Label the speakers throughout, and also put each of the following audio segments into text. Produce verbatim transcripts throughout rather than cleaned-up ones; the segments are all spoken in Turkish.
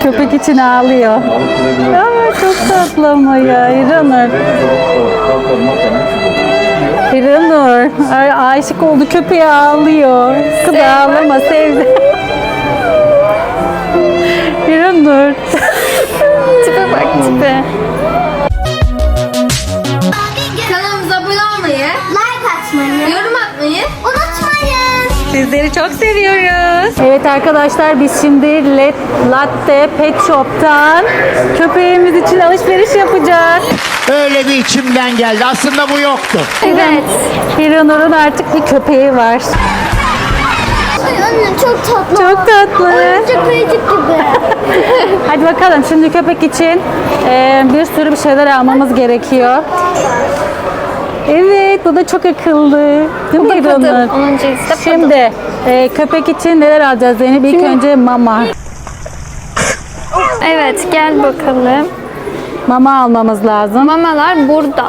Speaker 1: Köpek için ağlıyor. Aa, çok tatlı ama ya İranur. İranur. Ay, aşık oldu, köpeğe ağlıyor. Kız ağlama, sevdi. İranur.
Speaker 2: Tipe bak tipe. Kanalımıza abone olmayı,
Speaker 3: Like atmayı
Speaker 2: yorum atmayı
Speaker 3: unutmayın.
Speaker 1: Sizleri çok seviyoruz. Evet arkadaşlar, biz şimdi Let Latte Pet Shop'tan köpeğimiz için alışveriş yapacağız.
Speaker 4: Öyle bir içimden geldi. Aslında bu yoktu.
Speaker 2: Evet.
Speaker 1: İranur'un artık bir köpeği var.
Speaker 3: Ay anne çok tatlı.
Speaker 1: Çok tatlı.
Speaker 3: Oyuncak ayıcık gibi.
Speaker 1: Hadi bakalım, şimdi köpek için e, bir sürü bir şeyler almamız gerekiyor. Evet, bu da çok akıllı. Değil mi İranur?
Speaker 2: Onun cinsi de
Speaker 1: Şimdi e, köpek için neler alacağız Zeynep? İlk önce mama.
Speaker 2: Evet, gel bakalım.
Speaker 1: Mama almamız lazım.
Speaker 2: Mamalar burada.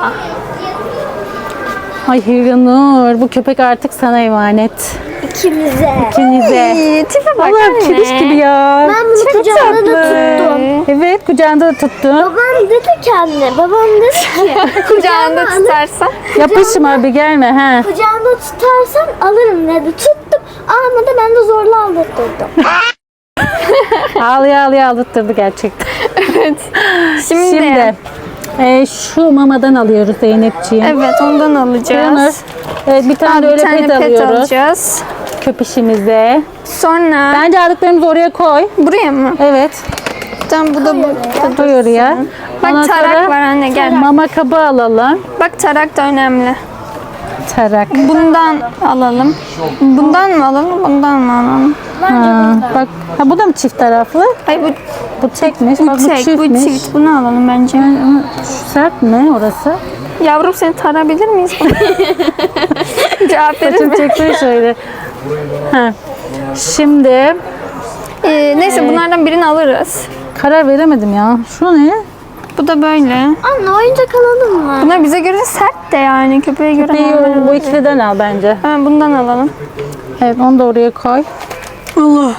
Speaker 1: Ay İranur, bu köpek artık sana emanet.
Speaker 3: İkimize.
Speaker 1: İkinize.
Speaker 2: İyi, tipe bak
Speaker 1: Allah'ım,
Speaker 2: anne.
Speaker 1: kediş gibi ya.
Speaker 3: Ben bunu
Speaker 1: Çok
Speaker 3: kucağımda da
Speaker 1: tatlı.
Speaker 3: tuttum.
Speaker 1: Evet, kucağında da tuttun.
Speaker 3: Babam dedi ki anne, babam dedi ki
Speaker 2: Kucağında tutarsan.
Speaker 1: Yapışma bir gelme ha.
Speaker 3: kucağında tutarsam alırım dedi. Tuttum. Almadı, ben de zorla aldırttırdım.
Speaker 1: Ağlaya ağlaya aldırttırdı gerçekten.
Speaker 2: Şimdi,
Speaker 1: Şimdi e, şu mamadan alıyoruz Zeynepciğim.
Speaker 2: evet ondan
Speaker 1: İranur,
Speaker 2: alacağız.
Speaker 1: evet, bir tane de
Speaker 2: Bir
Speaker 1: öyle
Speaker 2: tane
Speaker 1: pet
Speaker 2: pet
Speaker 1: alıyoruz.
Speaker 2: alacağız.
Speaker 1: Köpüşümüze.
Speaker 2: Sonra
Speaker 1: Bence aldıklarımızı oraya koy.
Speaker 2: buraya mı?
Speaker 1: Evet.
Speaker 2: Tamam, bu da bu.
Speaker 1: Koy oraya. Ondan
Speaker 2: Bak tarak
Speaker 1: sonra
Speaker 2: var anne, gel.
Speaker 1: mama kabı alalım.
Speaker 2: Bak tarak da önemli.
Speaker 1: Tarak.
Speaker 2: Bundan alalım. Bundan mı alalım, bundan mı alalım?
Speaker 1: Ha, bak, ha, bu da mı çift taraflı?
Speaker 2: Ay bu,
Speaker 1: Bu tekmiş.
Speaker 2: bu
Speaker 1: bak, bu
Speaker 2: tek, bu
Speaker 1: çiftmiş.
Speaker 2: çift. Bunu alalım bence.
Speaker 1: Ama şu sert mi orası?
Speaker 2: Yavrum, seni tarabilir miyiz? Cevap verir
Speaker 1: Saçım
Speaker 2: mi?
Speaker 1: çekti şöyle. Ha. Şimdi
Speaker 2: Ee, neyse bunlardan birini alırız.
Speaker 1: karar veremedim ya. Şu ne?
Speaker 2: Bu da böyle.
Speaker 3: Anne oyuncak alalım mı?
Speaker 2: Bunlar bize göre sert de yani, köpeğe göre.
Speaker 1: Bir,
Speaker 2: normal.
Speaker 1: bu ikiliden al bence.
Speaker 2: Hemen bundan alalım.
Speaker 1: Evet, onu da oraya koy. Allah.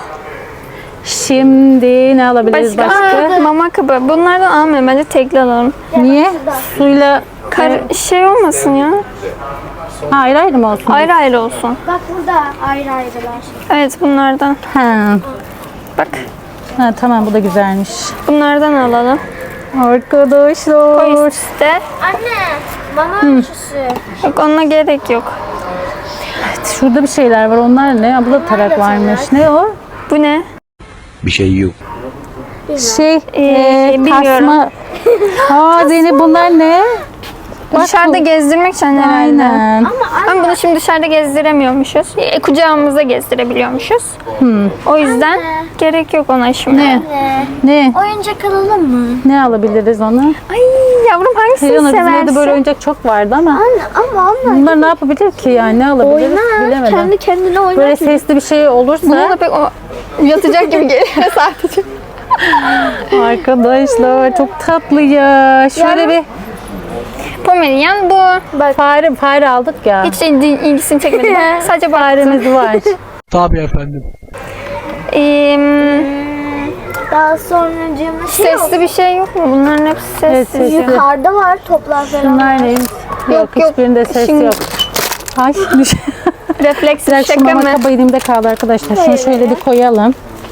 Speaker 1: Şimdi ne alabiliriz
Speaker 2: Başka?
Speaker 1: başka?
Speaker 2: Aa, mama kabı. Bunlardan almayalım, bence tekli alalım.
Speaker 1: Niye? Suyla
Speaker 2: Kar şey olmasın ya.
Speaker 1: ha, ayrı ayrı mı olsun?
Speaker 2: Ayrı ayrı olsun.
Speaker 3: Bak burada ayrı ayrılar.
Speaker 2: Evet, bunlardan.
Speaker 1: Ha.
Speaker 2: Bak,
Speaker 1: Ha, tamam, bu da güzelmiş.
Speaker 2: bunlardan alalım. Koy
Speaker 1: Arkadaşlar.
Speaker 2: üstte.
Speaker 3: Anne, bana ölçüsü.
Speaker 2: Yok, onunla gerek yok.
Speaker 1: Şurada bir şeyler var. Onlar ne? Ha, bu da tarak varmış. Ne o?
Speaker 2: Bu ne?
Speaker 4: Bir şey yok.
Speaker 1: Şey,
Speaker 2: Ee,
Speaker 1: e,
Speaker 2: bilmiyorum.
Speaker 1: tasma. Aa Zeynep, bunlar ne? Bak
Speaker 2: Dışarıda
Speaker 1: bu.
Speaker 2: gezdirmek için herhalde.
Speaker 1: Aynen.
Speaker 2: Ama bunu şimdi dışarıda gezdiremiyormuşuz. E, kucağımızda gezdirebiliyormuşuz. O yüzden gerek yok ona şimdi.
Speaker 1: Ne?
Speaker 3: Anne,
Speaker 1: Ne?
Speaker 3: oyuncak alalım mı?
Speaker 1: Ne alabiliriz ona?
Speaker 2: Ay yavrum, hangisini
Speaker 1: Helena, bizim
Speaker 2: seversin?
Speaker 1: evde böyle oyuncak çok vardı ama
Speaker 3: Anne ama onlar
Speaker 1: bunlar ne yapabilir ki yani? Ne alabiliriz?
Speaker 3: oynar.
Speaker 1: Bilemedim.
Speaker 3: Kendi kendine oynar.
Speaker 1: Böyle sesli bir şey
Speaker 2: Buna
Speaker 1: olursa
Speaker 2: da pek o yatacak gibi geliyor sadece.
Speaker 1: arkadaşlar çok tatlı ya. Şöyle
Speaker 2: Yavrum.
Speaker 1: bir
Speaker 2: Pomeranian bu.
Speaker 1: fare fare aldık ya.
Speaker 2: Hiç ilgi, ilgisini çekmedi. Bak, sadece baktım.
Speaker 1: Faremiz var.
Speaker 5: Tabii efendim.
Speaker 2: Ee,
Speaker 3: Daha sonra cimri şey yok.
Speaker 2: sesli bir şey yok mu? Bunların hepsi
Speaker 1: Evet,
Speaker 2: sessiz.
Speaker 1: sesli.
Speaker 3: Yukarıda var toplar falan.
Speaker 1: Bunlar neymiş? Yok,
Speaker 2: Yok, yok.
Speaker 1: hiçbirinde ses
Speaker 2: Şimdi-
Speaker 1: yok. Ay düş.
Speaker 2: Refleks
Speaker 1: Bir dakika, şu
Speaker 2: şaka
Speaker 1: mama
Speaker 2: mı?
Speaker 1: kaba elimde kaldı arkadaşlar. Şunu şöyle bir koyalım.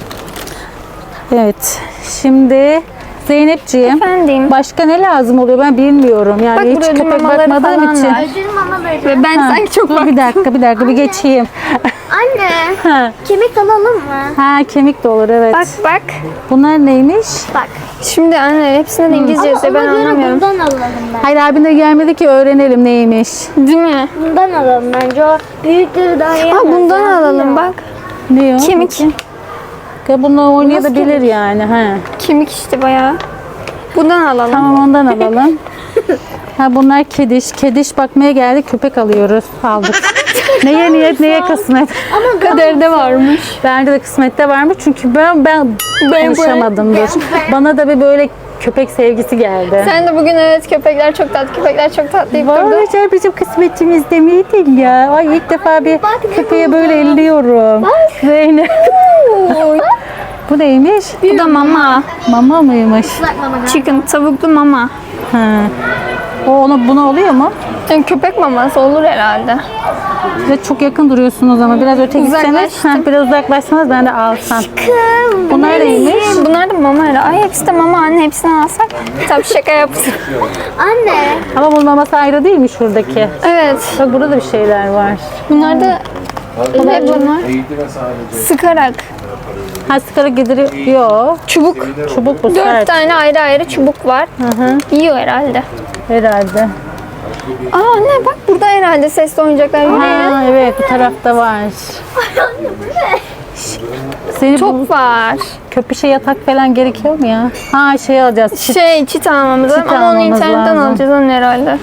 Speaker 1: Evet. Şimdi Zeynepciğim,
Speaker 2: Efendim.
Speaker 1: başka ne lazım oluyor ben bilmiyorum. Yani
Speaker 2: Bak,
Speaker 1: hiç
Speaker 2: burada ödül
Speaker 1: köpek
Speaker 2: mamaları
Speaker 1: bakmadığım
Speaker 2: falan
Speaker 1: için.
Speaker 2: var.
Speaker 3: Ödül mama böyle.
Speaker 2: Ve ben
Speaker 1: Ha,
Speaker 2: sanki çok
Speaker 1: dur
Speaker 2: bak.
Speaker 1: bir dakika bir dakika bir geçeyim.
Speaker 3: Anne,
Speaker 1: Ha.
Speaker 3: kemik alalım mı?
Speaker 1: Ha, kemik de olur, evet.
Speaker 2: Bak bak.
Speaker 1: Bunlar neymiş?
Speaker 3: Bak.
Speaker 2: Şimdi anne hepsinde de İngilizce yazıyor, ben
Speaker 3: ona göre
Speaker 2: anlamıyorum.
Speaker 3: bundan alalım ben.
Speaker 1: Hayır, abin de gelmedi ki öğrenelim neymiş.
Speaker 2: Değil mi?
Speaker 3: Bundan alalım bence. O büyükleri daha iyi.
Speaker 2: Aa, bundan alalım bak.
Speaker 1: Ne o?
Speaker 2: Kemik.
Speaker 1: Ya bununla oynayabilir yani. Ha.
Speaker 2: Kemik işte bayağı. Bundan alalım.
Speaker 1: Tamam, ondan alalım. Ha, bunlar kediş. Kediş bakmaya geldik, köpek alıyoruz. Aldık. Neye niyet, neye kısmet.
Speaker 3: Ama
Speaker 2: Kaderde varmış.
Speaker 1: Bence de kısmette varmış çünkü ben ben konuşamadımdır. Bana da bir böyle köpek sevgisi geldi.
Speaker 2: Sen de bugün evet köpekler çok tatlı, köpekler çok tatlı deyip durdun.
Speaker 1: Vallahi bizim kısmetimizde miydi ya? Ay, ilk defa bir köpeğe böyle elliyorum. Zeynep.
Speaker 2: Oy.
Speaker 1: Bu neymiş?
Speaker 2: Bu da mama.
Speaker 1: Mama mıymış?
Speaker 3: Islak mama galiba.
Speaker 2: Chicken, tavuklu mama.
Speaker 1: Ha. O ona buna oluyor mu?
Speaker 2: Yani köpek maması olur herhalde.
Speaker 1: Ve çok yakın duruyorsunuz ama biraz öte gitseniz,
Speaker 2: Uzaklaştım.
Speaker 1: ha, biraz uzaklaşsanız ben de alsam.
Speaker 3: Kım.
Speaker 1: Bunlar neymiş?
Speaker 2: Bunlar da mama herhalde. Ay hepsi de mama anne, hepsini alsak. Tabii şaka yaptım.
Speaker 3: Anne.
Speaker 1: Ama bunun maması ayrı değil mi şuradaki?
Speaker 2: Evet.
Speaker 1: Bak burada da bir şeyler var.
Speaker 2: Bunlar da ne bunlar? Sıkarak.
Speaker 1: Ha sigara gidiriyor.
Speaker 2: Çubuk.
Speaker 1: Çubuk bu
Speaker 2: Dört
Speaker 1: sert.
Speaker 2: tane ayrı ayrı çubuk var.
Speaker 1: Hı hı.
Speaker 2: Yiyor herhalde.
Speaker 1: Herhalde.
Speaker 2: Aa anne bak burada herhalde sesli oyuncaklar. Yürüyelim.
Speaker 1: Ha, evet bu tarafta var.
Speaker 3: Anne bu ne?
Speaker 1: Seni bu
Speaker 2: Çok var.
Speaker 1: köpüşe yatak falan gerekiyor mu ya? Ha şey alacağız. Çit.
Speaker 2: Şey çit almamız lazım
Speaker 1: Çit
Speaker 2: ama onu
Speaker 1: almamız
Speaker 2: internetten
Speaker 1: lazım.
Speaker 2: alacağız onun herhalde.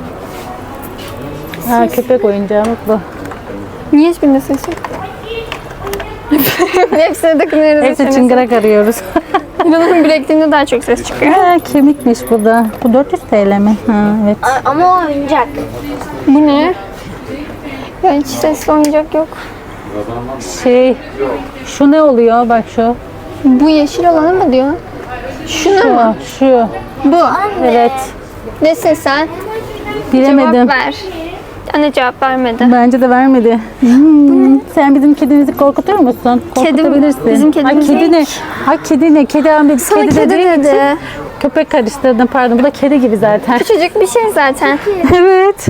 Speaker 1: Ha, köpek oyuncağı bak bu.
Speaker 2: Niye hiçbirinde ses yok? Hepsine takınıyoruz.
Speaker 1: Hepsi çıngırak arıyoruz.
Speaker 2: İnanın bilekliğinde daha çok ses çıkıyor.
Speaker 1: Ha, kemikmiş bu da. Bu dört yüz T L mi? Ha, evet.
Speaker 3: A- Ama o oyuncak.
Speaker 2: Bu ne? Ya hiç sesli oyuncak yok.
Speaker 1: Şey, şu ne oluyor? Bak şu.
Speaker 2: Bu yeşil olanı mı diyor? Şunu
Speaker 1: Şu,
Speaker 2: mu?
Speaker 1: şu.
Speaker 2: Bu.
Speaker 1: Evet.
Speaker 2: Nesin sen?
Speaker 1: Bilemedim.
Speaker 2: Cevap ver. Anne cevap vermedi.
Speaker 1: Bence de vermedi. Hmm, sen bizim kedimizi korkutuyor musun? Korkutabilirsin.
Speaker 2: bizim kedimiz
Speaker 1: Ay kedi ne? Ay kedi ne? Kedi Ahmet
Speaker 2: Sana
Speaker 1: kedi,
Speaker 2: kedi
Speaker 1: dediğim
Speaker 2: dedi.
Speaker 1: için köpek karıştırdım pardon. Bu da kedi gibi zaten.
Speaker 2: Küçücük bir şey zaten.
Speaker 1: Evet.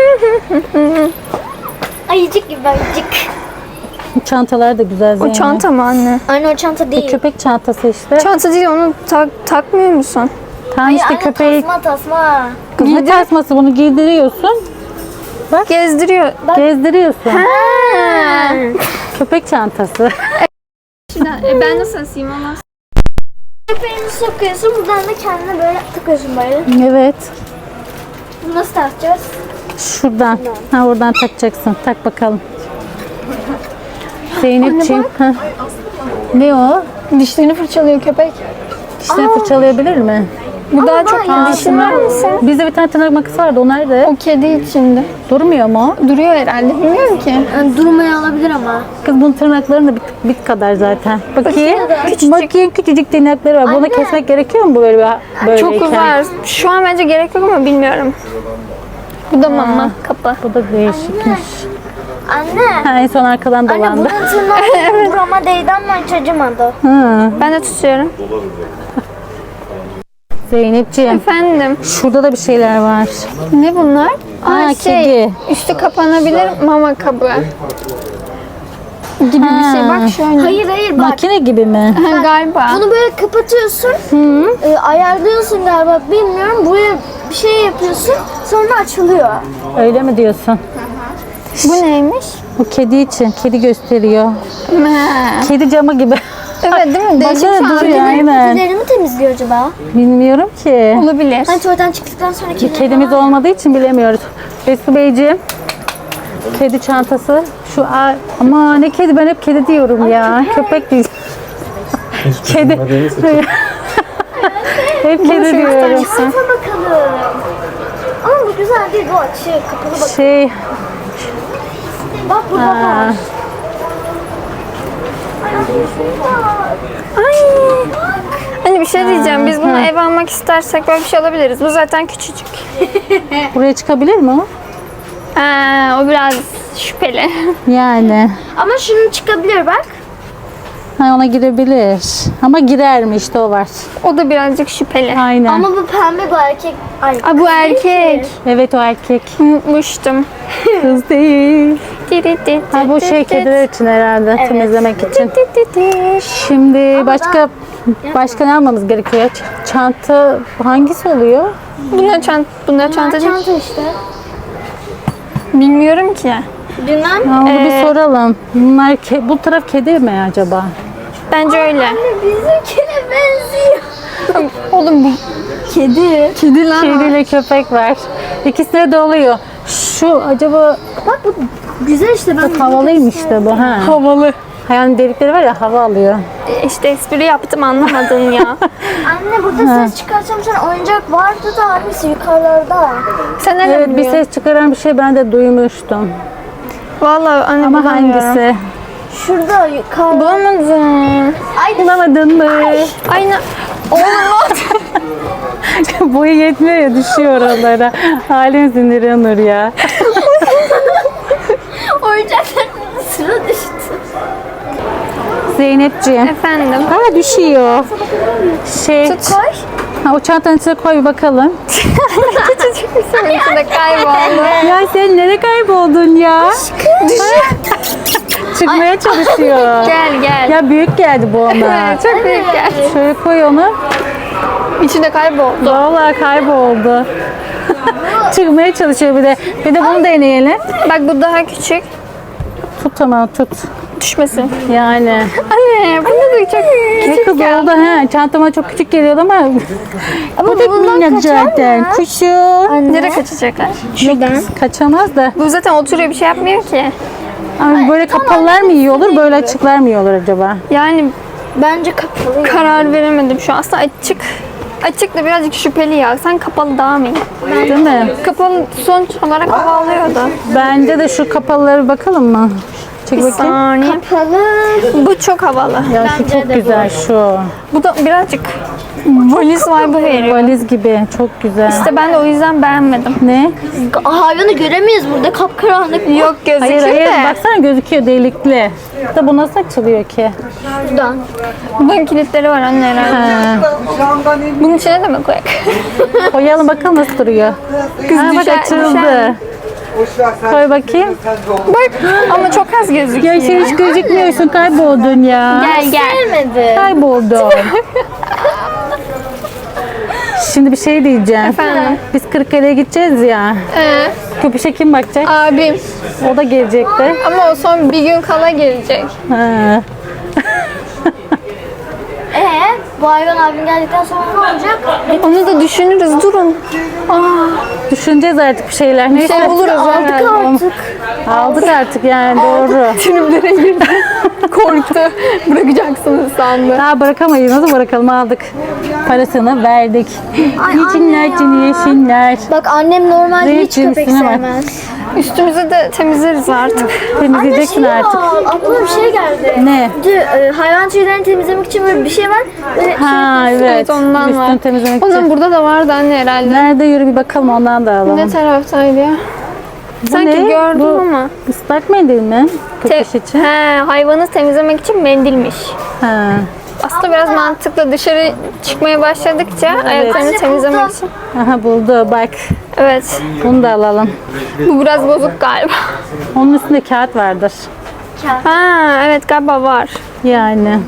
Speaker 3: Ayıcık gibi ayıcık.
Speaker 1: Çantalar da güzel
Speaker 2: O
Speaker 1: Zeynep.
Speaker 2: çanta mı anne?
Speaker 3: Anne o çanta değil.
Speaker 1: Köpek çantası işte.
Speaker 2: Çanta değil, onu tak, takmıyor musun?
Speaker 1: Tam
Speaker 3: Ay,
Speaker 1: işte
Speaker 3: anne,
Speaker 1: köpeği
Speaker 3: tasma tasma.
Speaker 1: kızma tasması bunu giydiriyorsun.
Speaker 2: Gezdiriyor.
Speaker 1: Gezdiriyorsun.
Speaker 2: Ha.
Speaker 1: Köpek çantası.
Speaker 2: Şimdi, e, ben nasıl asayım ama?
Speaker 3: Köpeğini sokuyorsun buradan da kendine böyle takıyorsun böyle.
Speaker 1: Evet.
Speaker 3: Bunu nasıl takacağız?
Speaker 1: Şuradan. Ha oradan takacaksın. Tak bakalım. Zeynepciğim. Ha. Ne o?
Speaker 2: Dişlerini fırçalıyor köpek.
Speaker 1: Dişlerini fırçalayabilir mi?
Speaker 2: Bu daha
Speaker 3: ben
Speaker 2: çok
Speaker 3: ya-
Speaker 2: dişin var mısın?
Speaker 1: Bizde bir tane tırnak makası vardı. O nerede?
Speaker 2: O kedi içinde.
Speaker 1: Durmuyor mu?
Speaker 2: Duruyor herhalde. Bilmiyorum ki.
Speaker 3: Yani durmaya alabilir ama.
Speaker 1: Kız bunun tırnaklarının da bit, bit kadar zaten. Bakayım.
Speaker 2: Küçücük.
Speaker 1: Bakayım küçücük tırnakları var. Bunu
Speaker 3: Anne.
Speaker 1: kesmek gerekiyor mu bu böyle bir böyleyken?
Speaker 2: Çok var. Şu an bence gerek yok ama bilmiyorum. Bu da mama kapı.
Speaker 1: Bu da değişikmiş.
Speaker 3: Anne.
Speaker 1: Ha, en son arkadan
Speaker 3: Anne
Speaker 1: dolandı.
Speaker 3: bunun tırnağı burama değdi ama hiç acımadı.
Speaker 1: Hı.
Speaker 2: Ben de tutuyorum.
Speaker 1: Zeynepciğim.
Speaker 2: Efendim.
Speaker 1: Şurada da bir şeyler var.
Speaker 2: Ne bunlar?
Speaker 1: Ha,
Speaker 2: Aa, şey,
Speaker 1: kedi.
Speaker 2: üstü kapanabilir mama kabı. Gibi bir şey. Bak şöyle.
Speaker 3: Hayır hayır bak.
Speaker 1: Makine gibi mi?
Speaker 2: Ha, galiba.
Speaker 3: Bunu böyle kapatıyorsun. E, ayarlıyorsun galiba bilmiyorum. Buraya bir şey yapıyorsun. Sonra açılıyor.
Speaker 1: Öyle mi diyorsun?
Speaker 2: Bu neymiş?
Speaker 1: Bu kedi için. Kedi gösteriyor.
Speaker 2: Ha.
Speaker 1: Kedi camı gibi.
Speaker 2: Evet değil mi? Değişik
Speaker 1: Baksana,
Speaker 2: bir
Speaker 1: duruyor,
Speaker 2: algı.
Speaker 1: aynen.
Speaker 3: Kedileri mi temizliyor acaba?
Speaker 1: Bilmiyorum ki.
Speaker 2: Olabilir.
Speaker 3: Hani tuvaletten çıktıktan sonra kedileri
Speaker 1: Kedimiz olmadığı için bilemiyoruz. Resul Beyciğim. Kedi çantası. Şu a- ama ne kedi, ben hep kedi diyorum ya. Köpek değil. Kedi. Hep kedi diyorum.
Speaker 3: Çanta bakalım. Ama bu güzel değil, bu açık. Kapalı bak.
Speaker 1: Şey,
Speaker 3: Bak burada
Speaker 1: aa,
Speaker 3: var.
Speaker 2: Ay. Hani bir şey diyeceğim. Biz bunu ev almak istersek böyle bir şey alabiliriz. Bu zaten küçücük.
Speaker 1: buraya çıkabilir mi o?
Speaker 2: Ha, o biraz şüpheli.
Speaker 1: Yani.
Speaker 3: Ama şunun çıkabilir bak.
Speaker 1: Ha, ona girebilir. Ama girer mi işte o var.
Speaker 2: O da birazcık şüpheli.
Speaker 1: Aynen.
Speaker 3: Ama bu pembe, bu erkek. Ay.
Speaker 2: Aa, bu erkek.
Speaker 1: Evet o erkek.
Speaker 2: Unutmuştum.
Speaker 1: Kız değil.
Speaker 2: Di
Speaker 1: Ha bu şey kediler için herhalde temizlemek için. Şimdi başka başka ne almamız gerekiyor? Ç- Çanta hangisi oluyor?
Speaker 2: Bunlar çanta, bunlar çanta değil.
Speaker 3: Çanta işte.
Speaker 2: Bilmiyorum ki.
Speaker 3: Bilmem.
Speaker 1: Ha, onu
Speaker 2: Ee,
Speaker 1: bir soralım. Bunlar ke- bu taraf kedi mi acaba?
Speaker 2: Bence öyle.
Speaker 3: Bizimkine benziyor.
Speaker 2: Oğlum bu kedi. Kedi lan o.
Speaker 1: Kediyle köpek var. İkisine de oluyor. Şu acaba
Speaker 3: Bak bu güzel işte. Ben
Speaker 1: havalıymış da bu ha.
Speaker 2: Havalı.
Speaker 1: Yani delikleri var ya hava alıyor.
Speaker 2: İşte espri yaptım anlamadın ya.
Speaker 3: Anne burada ses çıkarsam sen oyuncak vardı da hangisi yukarılarda?
Speaker 2: Sen nereden
Speaker 1: Evet bir
Speaker 2: biliyorsun?
Speaker 1: ses çıkaran bir şey ben de duymuştum.
Speaker 2: Vallahi anne
Speaker 1: Ama
Speaker 2: bulamıyorum.
Speaker 1: hangisi?
Speaker 3: Şurada yukarı.
Speaker 2: Bulamadın.
Speaker 3: Ay,
Speaker 1: Bulamadın mı?
Speaker 2: Aynı. Oğlum
Speaker 1: Boyu yetmiyor ya, düşüyor oralara. Halim sinir Nur ya.
Speaker 3: oyuncakların sıra düştü.
Speaker 1: Zeynepciğim.
Speaker 2: efendim.
Speaker 1: Ha, düşüyor. Şey,
Speaker 2: Tut koy.
Speaker 1: ha, o çantanın içine koy bir bakalım.
Speaker 2: Küçücük bir sorun içinde kayboldu.
Speaker 1: Ya sen nereye kayboldun ya? Çıkmaya çalışıyor.
Speaker 2: Gel gel.
Speaker 1: Ya büyük geldi bu ona.
Speaker 2: Evet, çok büyük gel.
Speaker 1: Şöyle koy onu.
Speaker 2: İçinde kayboldu.
Speaker 1: Vallahi kayboldu. Çıkmaya çalışıyor bir de. Bir de bunu deneyelim.
Speaker 2: Bak bu daha küçük.
Speaker 1: Tut, tamam tut.
Speaker 2: Düşmesin.
Speaker 1: Yani.
Speaker 2: Anne bunu da çok
Speaker 1: Ne
Speaker 2: küçük
Speaker 1: kız
Speaker 2: ya.
Speaker 1: oldu ha? Çantama çok küçük geliyordu ama.
Speaker 3: Ama
Speaker 1: Bu da
Speaker 3: bundan
Speaker 1: minik
Speaker 3: kaçar
Speaker 1: zaten.
Speaker 3: mı?
Speaker 1: Kuşu.
Speaker 2: Nereye kaçacaklar?
Speaker 3: Şuradan.
Speaker 1: Kaçamaz da.
Speaker 2: Bu zaten oturuyor bir şey yapmıyor ki.
Speaker 1: Ama böyle kapalılar mı iyi olur, böyle açıklar mı iyi olur acaba?
Speaker 2: Yani
Speaker 3: Bence kapalı.
Speaker 2: karar veremedim şu an. Aslında açık. Açık da birazcık şüpheli ya. Sen kapalı daha mı iyi?
Speaker 1: Değil mi?
Speaker 2: Kapalı sonuç olarak hava alıyordu.
Speaker 1: Bence de şu kapalılara bir bakalım mı? Çek
Speaker 2: Bir
Speaker 1: bakayım.
Speaker 2: saniye.
Speaker 3: Kapalı.
Speaker 2: Bu çok havalı.
Speaker 1: Ya şu çok güzel şu.
Speaker 2: Bu da birazcık valiz vibe'ı veriyor.
Speaker 1: Valiz gibi. Çok güzel.
Speaker 2: İşte ben de o yüzden beğenmedim.
Speaker 1: Ne?
Speaker 3: Hayvanı göremeyiz burada, kapkaranlık.
Speaker 2: Yok gözüküyor
Speaker 1: Hayır hayır,
Speaker 2: da.
Speaker 1: baksana gözüküyor delikli. Da bu nasıl açılıyor ki?
Speaker 3: Şuradan.
Speaker 2: Bunun kilitleri var anne herhalde.
Speaker 1: Ha.
Speaker 2: Bunun içine de mi koyak?
Speaker 1: Koyalım bakalım nasıl duruyor.
Speaker 2: Kız
Speaker 1: Ha, bak
Speaker 2: düşer-
Speaker 1: açıldı.
Speaker 2: düşer.
Speaker 1: Koy bakayım.
Speaker 2: Bak ama çok az gözüküyor.
Speaker 1: Ya sen hiç gözükmüyorsun, kayboldun ya.
Speaker 2: Gel gel.
Speaker 3: Gelmedi.
Speaker 1: Kayboldun. Şimdi bir şey diyeceğim.
Speaker 2: Efendim?
Speaker 1: Biz Kırıkkale'ye gideceğiz ya.
Speaker 2: Ee,
Speaker 1: Köpüşe kim bakacak?
Speaker 2: abim.
Speaker 1: O da gelecekti.
Speaker 2: Ama o son bir gün kala gelecek.
Speaker 1: Ha.
Speaker 3: Ee, bu hayvan abim geldikten sonra ne olacak?
Speaker 2: Onu da düşünürüz. Durun.
Speaker 1: Düşüneceğiz artık bir şeyler. Neyse.
Speaker 2: şey buluruz
Speaker 3: Aldık
Speaker 2: herhalde.
Speaker 3: artık.
Speaker 1: Aldık artık yani, doğru.
Speaker 2: Triplere girdi. Korktu. Bırakacaksınız sandı.
Speaker 1: Daha bırakamayız. Nasıl bırakalım, aldık. Parasını verdik. Yeşiller cini yeşiller.
Speaker 3: Bak annem normalde
Speaker 1: Ne
Speaker 3: hiç
Speaker 1: için
Speaker 3: köpek
Speaker 1: üstüne bak.
Speaker 3: sevmez.
Speaker 2: Üstümüzü de temizleriz artık.
Speaker 1: Temizleyeceksin
Speaker 3: Anne, şey
Speaker 1: artık.
Speaker 3: var, aklıma bir şey geldi.
Speaker 1: Ne?
Speaker 3: Dü, e, hayvan tüylerini temizlemek için böyle bir şey var. Böyle
Speaker 1: Ha evet.
Speaker 2: Evet ondan
Speaker 1: Üstünü
Speaker 2: var.
Speaker 1: temizlemek
Speaker 2: Onun
Speaker 1: için.
Speaker 2: burada da vardı anne herhalde.
Speaker 1: Nerede, yürü bir bakalım, ondan da alalım.
Speaker 2: Ne taraftaydı ya? Sanki
Speaker 1: ne?
Speaker 2: gördüm
Speaker 1: Bu
Speaker 2: ama.
Speaker 1: Islak mendil mi?
Speaker 2: Te-
Speaker 1: Köpüş için.
Speaker 2: He, hayvanı temizlemek için mendilmiş.
Speaker 1: Ha.
Speaker 2: Aslında biraz mantıklı. Dışarı çıkmaya başladıkça ayaklarını
Speaker 3: Anne,
Speaker 2: temizlemek
Speaker 3: buldum.
Speaker 2: için.
Speaker 1: Aha, buldu bak.
Speaker 2: Evet.
Speaker 1: Bunu da alalım.
Speaker 2: Bu biraz bozuk galiba.
Speaker 1: Onun üstünde kağıt vardır.
Speaker 2: Ha, evet galiba var.
Speaker 1: Yani.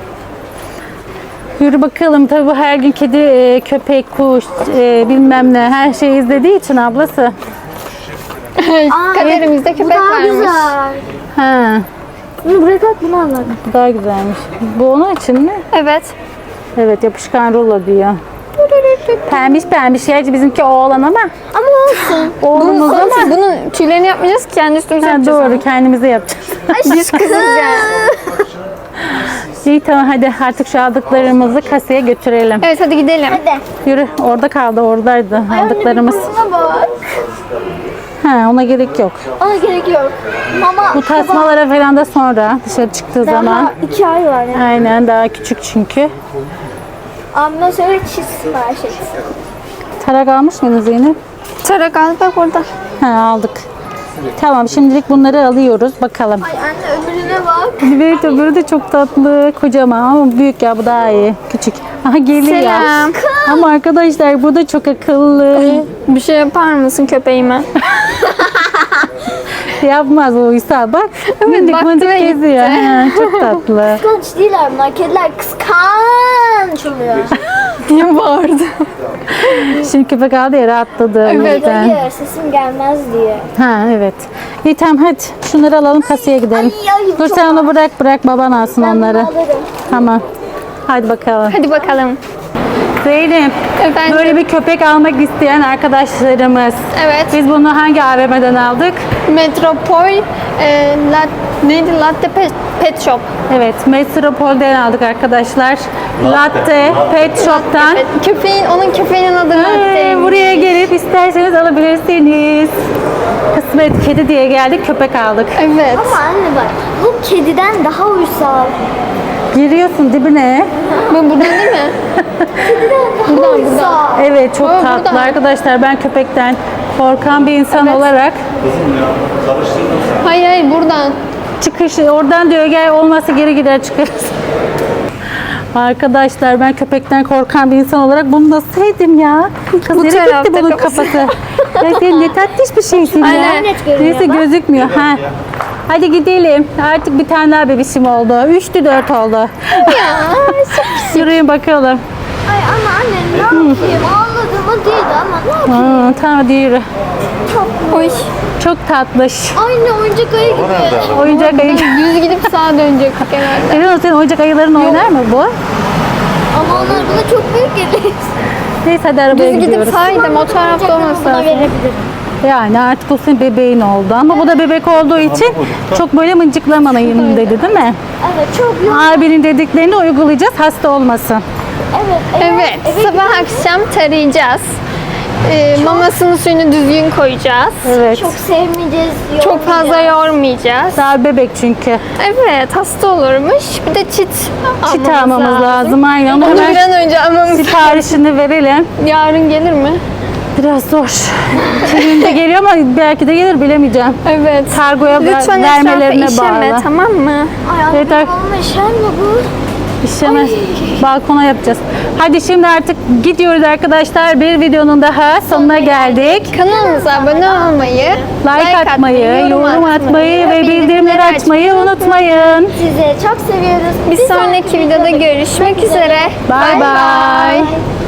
Speaker 1: Yürü bakalım. Tabii bu her gün kedi, e, köpek, kuş, e, bilmem ne her şeyi izlediği için ablası.
Speaker 2: Kaderimizde
Speaker 3: Bu
Speaker 2: köpek
Speaker 3: daha
Speaker 2: varmış.
Speaker 3: güzel.
Speaker 1: Ha,
Speaker 3: Bunu buraya kalk, bunu anlat.
Speaker 1: bu daha güzelmiş. Bu onun için mi?
Speaker 2: Evet.
Speaker 1: Evet, yapışkan rulo diyor. Pembiş pembiş. Gerçi bizimki oğlan ama.
Speaker 3: Ama olsun.
Speaker 1: Oğlumuz ama.
Speaker 2: Ama bunun tüylerini yapmayacağız ki kendi üstümüze
Speaker 1: Ha,
Speaker 2: yapacağız.
Speaker 1: doğru, kendimize yapacağız.
Speaker 2: Biz kızız yani.
Speaker 1: İyi tamam, hadi artık şu aldıklarımızı kasaya götürelim.
Speaker 2: Evet hadi gidelim.
Speaker 3: Hadi.
Speaker 1: Yürü, orada kaldı, oradaydı aldıklarımız.
Speaker 3: Buna bak.
Speaker 1: Ha, ona gerek yok.
Speaker 3: Ona gerek yok. Mama.
Speaker 1: Bu tasmalara falan da sonra dışarı çıktığı
Speaker 3: Daha
Speaker 1: zaman.
Speaker 3: iki ay var yani.
Speaker 1: Aynen, daha küçük çünkü.
Speaker 3: Abime söyle çizsin her şey.
Speaker 1: Tarak almış mıydın Zeynep?
Speaker 2: Tarak al bak orada.
Speaker 1: Ha, aldık. Tamam, şimdilik bunları alıyoruz. Bakalım.
Speaker 3: Ay anne öbürüne bak.
Speaker 1: Evet, öbürü de çok tatlı. Kocaman ama büyük ya, bu daha iyi. Küçük. Aha, geliyor.
Speaker 2: Selam.
Speaker 1: Ama arkadaşlar bu da çok akıllı.
Speaker 2: Bir şey yapar mısın köpeğime?
Speaker 1: Yapmaz o İsa, bak. Mindik
Speaker 2: baktı
Speaker 1: mindik
Speaker 2: ve gitti.
Speaker 1: geziyor. Ha, çok tatlı.
Speaker 3: Kıskanç değiller bunlar. Kediler kıskanç oluyor.
Speaker 2: Niye bağırdı?
Speaker 1: Şimdi köpek aldı ya, rahatladı. o
Speaker 2: Evet.
Speaker 1: yüzden.
Speaker 3: Hayır sesim gelmez diye.
Speaker 1: Ha evet. İyi tamam, hadi. Şunları alalım, kasaya gidelim.
Speaker 3: Ay, ay,
Speaker 1: Dur
Speaker 3: çok
Speaker 1: sen onu bırak bırak, baban alsın
Speaker 3: Ben
Speaker 1: onları.
Speaker 3: bunu alırım.
Speaker 1: Tamam. Hadi bakalım.
Speaker 2: Hadi bakalım.
Speaker 1: Zeynep,
Speaker 2: Efendim?
Speaker 1: böyle bir köpek almak isteyen arkadaşlarımız.
Speaker 2: Evet.
Speaker 1: Biz bunu hangi A V M'den aldık?
Speaker 2: Metropol e, lat, neydi? Latte Pet, Pet Shop.
Speaker 1: Evet, Metropol'den aldık arkadaşlar. Latte Pet Shop'tan.
Speaker 2: Evet, köpeğin, onun köpeğinin adı
Speaker 1: Ee,
Speaker 2: Latte.
Speaker 1: buraya gelip isterseniz alabilirsiniz. Kısmet kedi diye geldik, köpek aldık.
Speaker 2: Evet.
Speaker 3: Ama anne bak bu kediden daha uysal.
Speaker 1: Giriyorsun dibine.
Speaker 2: Bu buradan değil mi?
Speaker 3: Kediden daha uysal.
Speaker 1: Evet çok
Speaker 2: Aa,
Speaker 1: tatlı
Speaker 2: burada.
Speaker 1: arkadaşlar. Ben köpekten korkan bir insan olarak
Speaker 2: Hayır hayır buradan.
Speaker 1: çıkış oradan diyor gel olmazsa geri gider çıkarız. Arkadaşlar ben köpekten korkan bir insan olarak bunu nasıl yedim ya? Kız
Speaker 2: Bu
Speaker 1: nereye gitti
Speaker 2: tarafta
Speaker 1: bunun
Speaker 2: kafası.
Speaker 1: kafası? Ya sen ne tatlış bir şeysin ya.
Speaker 2: Aynen.
Speaker 3: Net görünüyor
Speaker 1: Neyse
Speaker 3: bak.
Speaker 1: gözükmüyor. Ha. Hadi gidelim. Artık bir tane daha bebişim oldu. Üçtü dört oldu. Yürüyün bakalım.
Speaker 3: Ay ama anne ne yapayım? Ağladığımı değildi ama ne yapayım?
Speaker 1: Aa, tamam hadi yürü.
Speaker 2: Oy.
Speaker 1: Çok tatlış.
Speaker 3: Aynı oyuncak ayı gibi.
Speaker 1: Oyuncak ayı.
Speaker 2: Düz gidip sağa dönecek genelde.
Speaker 1: Eren senin oyuncak ayıların oynar mı bu?
Speaker 3: Ama onlar bana çok büyük gelir.
Speaker 1: Neyse hadi arabaya
Speaker 2: Düz gidip
Speaker 1: gidiyoruz.
Speaker 2: sağ o tarafta olması
Speaker 3: Buna
Speaker 2: lazım.
Speaker 3: verebilirim.
Speaker 1: Yani artık o senin bebeğin oldu ama bu da bebek olduğu için çok böyle mıncıklamanayım dedi değil mi?
Speaker 3: Evet çok yoğun.
Speaker 1: Abinin dediklerini uygulayacağız hasta olmasın.
Speaker 3: Evet.
Speaker 2: Evet, sabah akşam tarayacağız. Ee, mamasını suyunu düzgün koyacağız.
Speaker 1: Evet.
Speaker 3: Çok sevmeyeceğiz.
Speaker 2: Çok fazla yormayacağız.
Speaker 1: Daha bebek çünkü.
Speaker 2: Evet, hasta olurmuş. Bir de çit
Speaker 1: Çit almamız lazım. Aynen.
Speaker 2: Onu
Speaker 1: Hemen
Speaker 2: bir an önce almamız
Speaker 1: siparişini verelim.
Speaker 2: Yarın gelir mi?
Speaker 1: Biraz zor. Şimdi geliyor ama belki de gelir bilemeyeceğim.
Speaker 2: Evet.
Speaker 1: Kargoya ver-
Speaker 2: Lütfen
Speaker 1: vermelerine
Speaker 2: etrafa işeme,
Speaker 1: bağlı.
Speaker 2: tamam mı?
Speaker 3: Ay
Speaker 1: Evet,
Speaker 3: anne
Speaker 1: ar-
Speaker 3: babama işer mi bu?
Speaker 1: İşleme balkona yapacağız. Hadi şimdi artık gidiyoruz arkadaşlar. Bir videonun daha sonuna geldik.
Speaker 2: Kanalımıza abone olmayı,
Speaker 1: Like atmayı, yorum atmayı ve bildirimleri açmayı unutmayın.
Speaker 3: Sizi çok seviyoruz.
Speaker 2: Bir sonraki videoda görüşmek üzere.
Speaker 1: Bye bye.
Speaker 3: Bye.